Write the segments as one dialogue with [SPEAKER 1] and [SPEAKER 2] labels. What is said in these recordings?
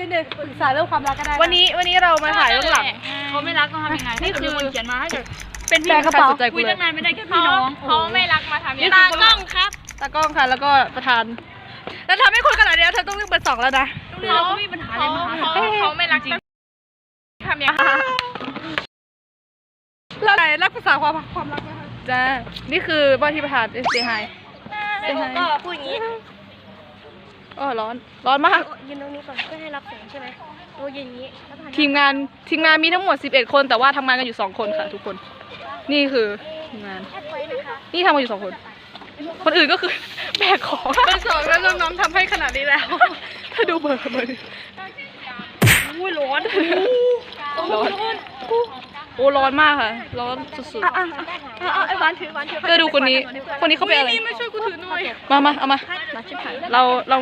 [SPEAKER 1] นิดนึงปรึกษาเรื่องความรักก็ได้
[SPEAKER 2] วันนี้เรามาถ่ายเรื่องหลัง
[SPEAKER 3] เขาไม่รักต้องทำยังไงนี่คือคนเขียนมาให้แบบ
[SPEAKER 2] เป็นพี่กระเป๋าคุย
[SPEAKER 3] ตั้งนานไม่ได้แค่พี่น้องเขาไม่รักมาทำยังไง
[SPEAKER 2] ตากล้องครับตากล้องค่ะแล้วก็ประธานแล้วทำให้คนขนาดนี้เธอต้องเลือกเบอร์ 2แล้วนะ
[SPEAKER 3] เขาไม่มีปัญหาอะไรมาเขาไม่รักจริงทำยังไง
[SPEAKER 2] แล้วไหนรักภาษาความรักนะคะจ้านี่คือว่าที่ประธานเซฮายเซฮาย
[SPEAKER 1] ก็พูดอย่างนี้
[SPEAKER 2] อ๋อร้อนมาก
[SPEAKER 1] ยืนตรงนี้ก่อนเพื่อให้รับแสงใช่ไหมโอ้ยืนอย่างนี้
[SPEAKER 2] ทีมงานมีทั้งหมด11คนแต่ว่าทำงานกันอยู่2คนค่ะทุกคนนี่คือทีมงานนี่ทำกันอยู่2คนคนอื่นก็คือแบกของเบอร์ 2แล้วน้องๆทำให้ขนาดนี้แล้วถ้าดูเบอร์อุ้ยร้อนโอ้ร้อนมากค่ะร้อนสุดๆ
[SPEAKER 1] ไอ้หวานถือ
[SPEAKER 2] ก็ดูคนนี้เขาเป็นอะไรไม่ช่วยกูถือหน่อยมาเอามาเรา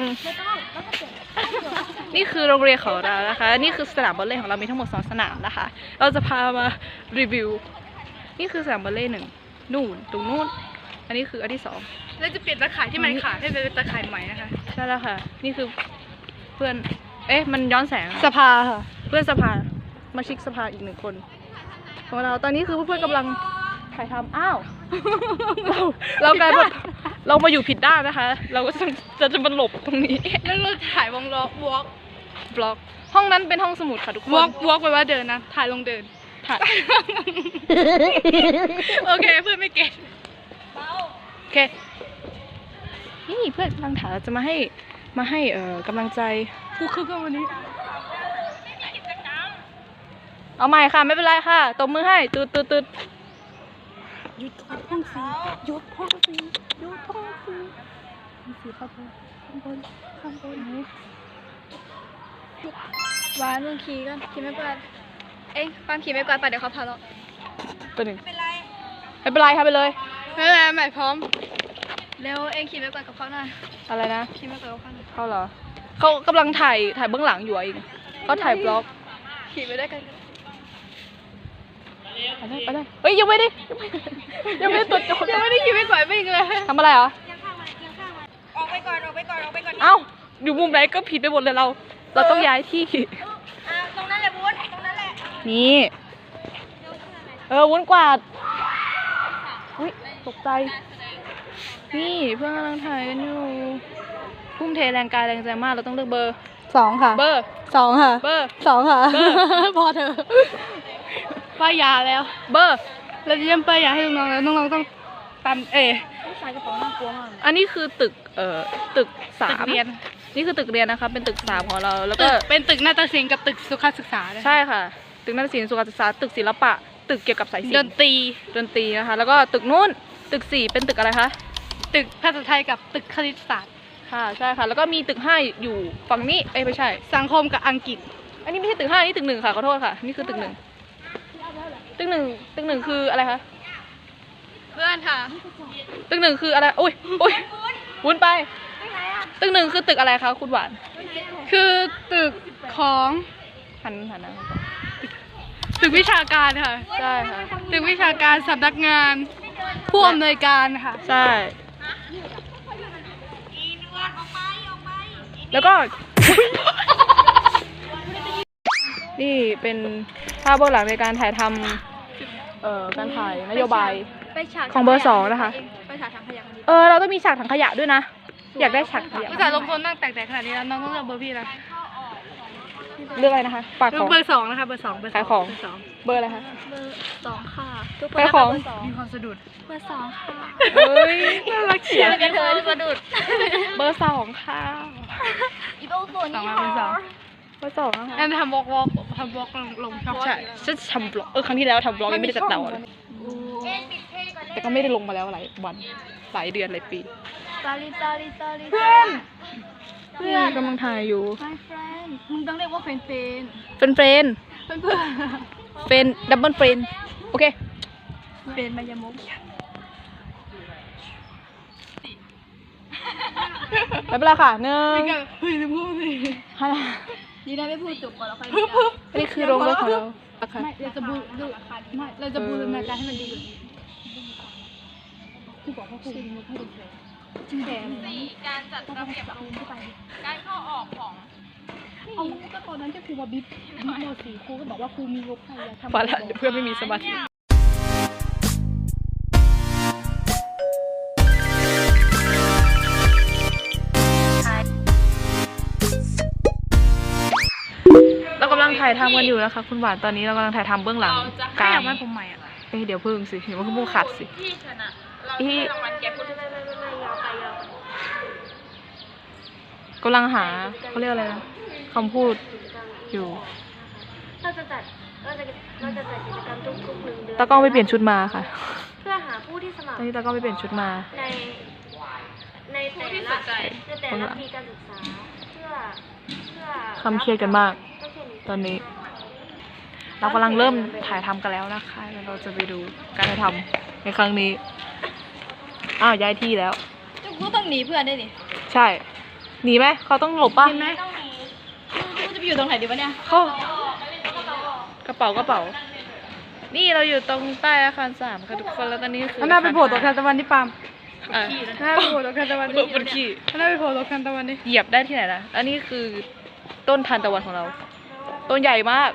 [SPEAKER 2] นี่คือโรงเรียนของเรานะคะนี่คือสนามบอลเล่ของเรามีทั้งหมด2สนามนะคะเราจะพามารีวิวนี่คือสนามบอลเล่1นู่นตรงนู้นอันนี้คืออันที่2แล้วจะเปลี่ยนตะข่ายที่มันขาดให้เป็นตะข่ายใหม่นะคะใช่แล้วค่ะนี่คือเพื่อนมันย้อนแสงสภาค่ะเพื่อนสภามาชิกสภาอีก1คนของเราตอนนี้คือเพื่อนๆกำลังถ่ายทำอ้าวเรากลายแบบเรามาอยู่ผิดด้านนะคะเราก็จะมาหลบตรงนี้แล้วเราถ่ายวงล้อบล็อกห้องนั้นเป็นห้องสมุดค่ะทุกคนวอล์กแปลว่าเดินนะถ่ายลงเดินถ่ายโอเคเพื่อนไม่เก็ตโอเคนี่เพื่อนกำลังถ่ายจะมาให้กำลังใจกูคือวันนี้เอาใหม่ค่ะไม่เป็นไรค่ะตบมือให้ตืดหยุดห้องสีหยุดห้องสีข้างบน
[SPEAKER 1] หวานมึงขี่กันขี่ไม่กวาดความขี่ไม่กวาดไปเดี๋ยวเขาพาเรา
[SPEAKER 2] ตัวหนึ่งไม่เป็นไรค่ะไปเลยไม่เป็นไรใหม่พร้อม
[SPEAKER 1] เร็วขี่ไม่กวาดกับเขาหน่อย
[SPEAKER 2] อะไรนะ
[SPEAKER 1] ขี่ไม่กวาดกับเขาหน่อย
[SPEAKER 2] เขาเหรอเขากำลังถ่ายเบื้องหลังอยู่เองเขาถ่ายบล็อก
[SPEAKER 1] ขี่ไปได้กัน
[SPEAKER 2] ไปได้เฮ้ยยังไม่ได้ตรวจยังไม่ได้ขี่ไม่กวาดไม่เลยทำอะไรเหรอ
[SPEAKER 1] ออกไปก่อน
[SPEAKER 2] เอ้าอยู่มุมไหนก็ผิดไปหมดเลยเราต้องย้ายที่
[SPEAKER 1] ตรงนั้นแหละวุ้นตรงนั้นแหละ
[SPEAKER 2] นี่วุ้นกวาดอุ้ยตกใจนี่เพื่อนกำลังถ่ายกันอยู่ทุ่มเทแรงกายแรงใจมากเราต้องเลือกเบอร์2ค่ะเบอร์2ค่ะเบอร์2ค่ะพอเธอป้ายยาแล้วเบอร์เราจะเยี่ยมป้ายยาให้น้องๆแล้วน้องๆต้องตาม
[SPEAKER 1] สายกระเป๋าน่ากลัวมาก
[SPEAKER 2] อันนี้คือตึก3เรียนนี่คือตึกเรียนนะคะเป็นตึก3ของเราแล้วก็เป็นตึกนาฏศิลป์กับตึกสุขศึกษาใช่ค่ะตึกนาฏศิลป์สุขศึกษาตึกศิลปะตึกเกี่ยวกับสายศิลป์ดนตรีนะคะแล้วก็ตึกนู้นตึก4เป็นตึกอะไรคะตึกภาษาไทยกับตึกคณิตศาสตร์ค่ะใช่ค่ะแล้วก็มีตึก5อยู่ฝั่งนี้ไม่ใช่สังคมกับอังกฤษอันนี้ไม่ใช่ตึก5นี่ตึก1ค่ะขอโทษค่ะนี่คือตึก1ตึก1คืออะไรคะเพื่อนค่ะตึก1คืออะไรโอ้ยวุ้นไปตึก1คือตึกอะไรคะคุณหวานคือตึกของหันนะตึกวิชาการค่ะใช่ค่ะตึกวิชาการสำนักงานผู้อำนวยการค่ะใช่แล้วก็นี่เป็นภาพเบื้องหลังในการถ่ายทำการถ่ายนโยบายของเบอร์2นะคะ
[SPEAKER 1] ไปฉากถังขยะ
[SPEAKER 2] เราต้องมีฉากถังขยะด้วยนะอยากได้ฉากขยะ
[SPEAKER 3] ภาษาลงคนนั่งแตกขนาดนี้แล้วน้องต้องเลือกเบอร์พี่นะ
[SPEAKER 2] เลือกอะไรนะคะปากของ
[SPEAKER 3] เบอร์2นะคะเบอร์2
[SPEAKER 2] ขายของเบอร์อะไรคะ
[SPEAKER 1] เบอร์2ค่ะ
[SPEAKER 2] ขายของ
[SPEAKER 3] มีความสะดุด
[SPEAKER 1] เบอร์2ค่ะ
[SPEAKER 2] เฮ้ยน่ารักเฉียบ
[SPEAKER 1] กันเธอสะดุด
[SPEAKER 2] เบอร์2ค่ะ
[SPEAKER 1] อีโต้ตัวนี้ค่ะ
[SPEAKER 2] เบอร์2นะคะ
[SPEAKER 3] งั้นทำบล็อกลงช่อง
[SPEAKER 2] ใช่ฉันทำบล็อกครั้งที่แล้วทำบล็อกยังไม่ได้จัดเตาเลยแต่ก็ไม่ได้ลงมาแล้วหลายวันหลายเดือนหลายปี
[SPEAKER 1] เพื่อน
[SPEAKER 2] กำลังถ่ายอยู่
[SPEAKER 1] My friend มึงต้องเรียกว่าเฟรน
[SPEAKER 2] ดับเบิลเฟรนโอเค
[SPEAKER 1] เฟรนมายามก
[SPEAKER 2] ไม่เป็นไรค่ะ1
[SPEAKER 3] เฮ้ยลืมพูดสิ
[SPEAKER 1] ดีนะไม่พูดจบก่อนแล้วค่อย
[SPEAKER 2] อันนี้คือโรงรถของเรา
[SPEAKER 3] เราจะบูรณาการให้มันดีที่บอกว่าคุณให้ดู4การจัดระเบียบการเข้าออกของ
[SPEAKER 2] เอาก็ตอนนั้นที่ครูมาบิ๊บม.4 ครูก็บอกว่าครูมีงบให้อย่าทำ
[SPEAKER 1] พอละเดี๋ยวเพื่อนไม่มีสมาธิ เรากำลังถ่ายทำกันอยู่นะคะคุณหวานตอนนี้เรากำลังถ่ายทำเบื้องหลังกลาง
[SPEAKER 2] อยากได้ผมใหม่อ่ะ
[SPEAKER 1] เดี๋ยวพึ่งสิเดี๋ยวมันก็พูดขัดสิ
[SPEAKER 3] ที่ชนะเราให้รางวัลแกพูดไม่ยาวไป
[SPEAKER 1] กำลังหาเขาเรียกอะไรนะคำพูดอยู่
[SPEAKER 4] เราจะจัดกิจกรรมทุกๆ1 เดือน
[SPEAKER 1] ตากล้องไปเปลี่ยนชุดมาค่ะ
[SPEAKER 4] เพื่อหาผู้ที่สมัค
[SPEAKER 1] ต
[SPEAKER 4] ร
[SPEAKER 1] อนนี้ตากล้องไปเปลี่ยนชุดมา
[SPEAKER 4] ในแต่ละปีการศึกษาเพื่อ
[SPEAKER 1] คำเครียดกันมาก
[SPEAKER 4] ก็เช่น
[SPEAKER 1] ตอนนี้ เรากำลังเริ่มถ่ายทำกันแล้วนะคะแล้วเราจะไปดูการถ่ายทำในครั้งนี้อ้าวย้ายที่แล้ว
[SPEAKER 2] กูต้องหนีเพื่อนได้ดิ
[SPEAKER 1] ใช่หนีไหมเขาต้องหลบป่ะ
[SPEAKER 2] เห็นไหมกูจะไปอยู่ตรงไหนดีวะเนี่ย
[SPEAKER 1] เขากระเป๋า นี่เราอยู่ตรงใต้อาคาร3ค่ะทุกคนแล้วตอนนี้คือ
[SPEAKER 2] หน้าไปโผล่ตรงคันตะวันที่ปาล์ม
[SPEAKER 1] อ่ะ
[SPEAKER 2] หน้าไปโผล่ตรงคันตะวัน
[SPEAKER 1] บนขี้
[SPEAKER 2] หน้าไปโผล่ตรงคันตะวันนี่
[SPEAKER 1] เหยียบได้ที่ไหนนะอันนี้คือต้นทานตะวันของเรา ต้นใหญ่มาก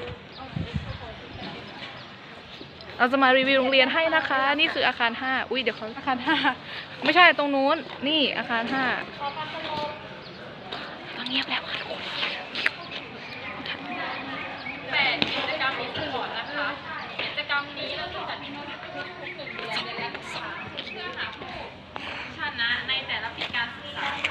[SPEAKER 1] เราจะมารีวิวโรงเรียนให้นะคะ นี่คืออาคาร5อุ้ยเดี๋ยวเขา
[SPEAKER 2] อาคาร5
[SPEAKER 1] ไม่ใช่ตรงนู้น นี่อาคาร5ต้องเงียบแล้วค่ะทุกคน
[SPEAKER 3] แต่กิจกรรมนี้ตลอดนะคะ กิจกรรมนี้เราจะจัดขึ้นทุกๆ1 เดือนนะคะเพื่อหาผู้ชนะในแต่ละปีการศึกษาค่ะ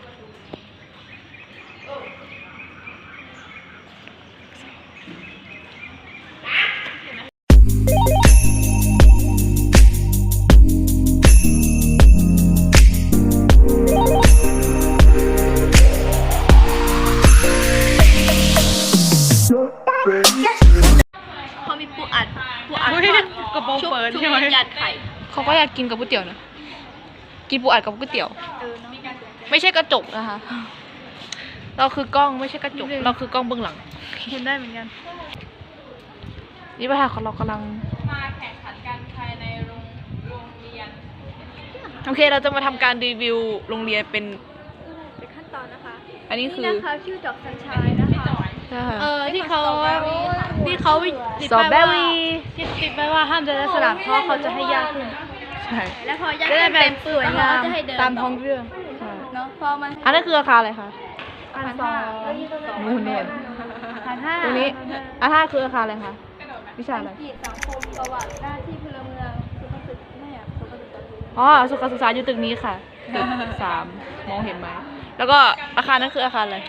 [SPEAKER 4] เขามีปูอัด
[SPEAKER 1] อุ๊ยกระโปรงเปิดใช่ไหม
[SPEAKER 4] ยัดไข่
[SPEAKER 1] เขาก็อยากกินกับก๋วยเตี๋ยวนะ กินปูอัดกับก๋วยเตี๋ยว ไม่ใช่กระจกนะคะ เราคือกล้องไม่ใช่กระจก เราคือกล้องเบื้องหลัง
[SPEAKER 2] เห็นได้เหมือนกัน
[SPEAKER 1] นี่ประธานของเรากำลัง
[SPEAKER 3] มาแข่งขันกันภายในโรงเรียน
[SPEAKER 1] โอเค เราจะมาทำการรีวิวโรงเรียนเป็น
[SPEAKER 4] เป็นขั้นตอนนะคะ
[SPEAKER 1] อันนี้คือ
[SPEAKER 4] นี่นะคะชื่อดอกสัญชัยนะคะ
[SPEAKER 2] ที่เขาติด
[SPEAKER 1] สตรอ
[SPEAKER 2] ไป
[SPEAKER 1] เบอ
[SPEAKER 2] ว่า
[SPEAKER 1] รี่
[SPEAKER 2] ติดไปว่าห้ามเดินในสนามเพราะเขาจะให้ยากขึ้น
[SPEAKER 1] ใช่
[SPEAKER 4] และพอยาก
[SPEAKER 2] จะได้แบบ
[SPEAKER 4] เต็ม
[SPEAKER 2] สวยงาม
[SPEAKER 4] จะให้เดิน
[SPEAKER 2] ตามท้องเรื่อง
[SPEAKER 1] ใช่
[SPEAKER 2] เนาะพอมัน
[SPEAKER 1] อันนั้นคืออาคารอะไรคะ
[SPEAKER 2] อาคาร2
[SPEAKER 1] นู่นเนี่ย
[SPEAKER 2] อาคาร5
[SPEAKER 1] ตรงนี้อาคารคืออาคารอะไรคะ วิชาอะไร
[SPEAKER 4] กิจสังคมประวัติหน้าที่พลเมืองสุขศึกไม่อยากสุขศึกษา
[SPEAKER 1] อ๋อ สุขศึกษาอยู่ตึกนี้ค่ะ ตึก3มองเห็นไหม แล้วก็อาคารนั้นคืออาคารอะไร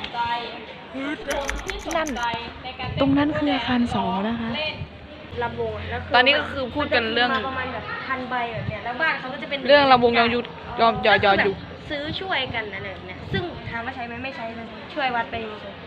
[SPEAKER 1] นั่น ตรงนั้นคืออาคาร2นะคะ
[SPEAKER 4] ลำวงแล้ว
[SPEAKER 1] ตอนนี้ก็คือพูดกันเรื่อง
[SPEAKER 4] มาประมาณแบบ1,000 ใบแบบเนี้ยแล้วบ้านเขาก็จะเป็น
[SPEAKER 1] เรื่องลำวงยองยุทธยอมยอยุ
[SPEAKER 4] ซื้อช่วยกันอะไรแบบเนี้ยซึ่งถามว่าใช้ไหมไม่ใช้เลยช่วยวัดไปเฉย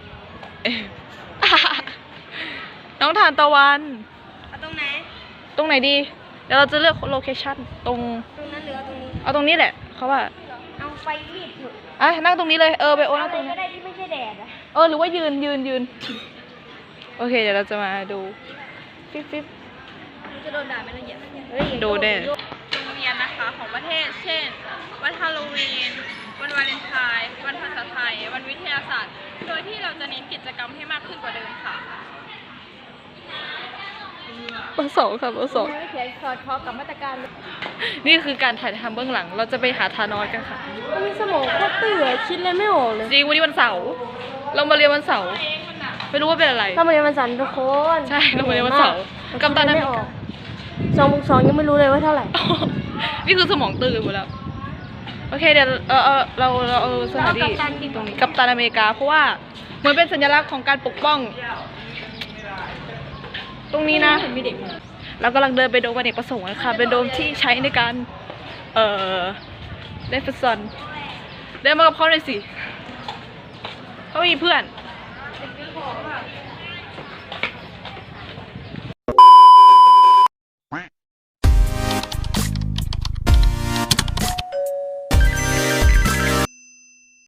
[SPEAKER 1] น้องทานตะวัน
[SPEAKER 4] เอาตรงไหน
[SPEAKER 1] ตรงไหนดี เดี๋ยวเราจะเลือกโลเคชั่นตรง
[SPEAKER 4] ตรงนั้นหรือเอาตรงนี้
[SPEAKER 1] เอาตรงนี้แหละ เขาว่า
[SPEAKER 4] เอาไฟรีดเถอะ
[SPEAKER 1] อ่ะนั่งตรงนี้เลย ไปโอนั่ง
[SPEAKER 4] อะไร
[SPEAKER 1] ตรงนี้
[SPEAKER 4] ก็ได้ที่ไม่ใช่แดดอะ
[SPEAKER 1] หรือว่ายืน โอเค เดี๋ยวเราจะมาดู ฟิป
[SPEAKER 4] จะโดนด่าไหมละเอียด
[SPEAKER 1] ดูได้
[SPEAKER 3] โรงเรียนนะคะของประเทศ เช่น วันฮาโลวีน วันวาเลนไทน์ วันภาษาไทย วันวิทยาศาสตร์ โดยที่เราจะเน้นกิจกรรมให้มากขึ้นกว่าเดิมค่ะ
[SPEAKER 1] เบอร์ 2ค่ะเบอร์
[SPEAKER 4] เขียนสอดคล้องกับมาตรการ
[SPEAKER 1] 2นี่คือการถ่ายทำเบื้องหลัง เราจะไปหาทานอสกันค่ะ
[SPEAKER 4] มีสมองโคตรเตื่อคิดเลยไม่ออกเลย
[SPEAKER 1] จริงวันนี้วันเสาร์ เรามาเรียนวันเสาร์ ไม่รู้ว่าเป็นอะไร
[SPEAKER 4] เรามาเรียนวันจันทร์ทุกคน
[SPEAKER 1] ใช่ เรามาเรียนวันเสาร์กัปตันอเมริกา
[SPEAKER 4] 2+2ยังไม่รู้เลยว่าเท่าไหร่
[SPEAKER 1] นี่คือสมองตื่นหมดแล้ว โอเคเดี๋ยวเราเอาสถานที่ตรงนี้กัปตันอเมริกาเพราะว่าเหมือนเป็นสัญลักษณ์ของการปกป้อง ตรงนี้นะมีเด็กเรากำลังเดินไปโดมอเนกประสงค์นะคะเป็นโดมที่ใช้ในการเล่นฟุตซอลเดินมากับเขาหน่อยสิเขามีเพื่อน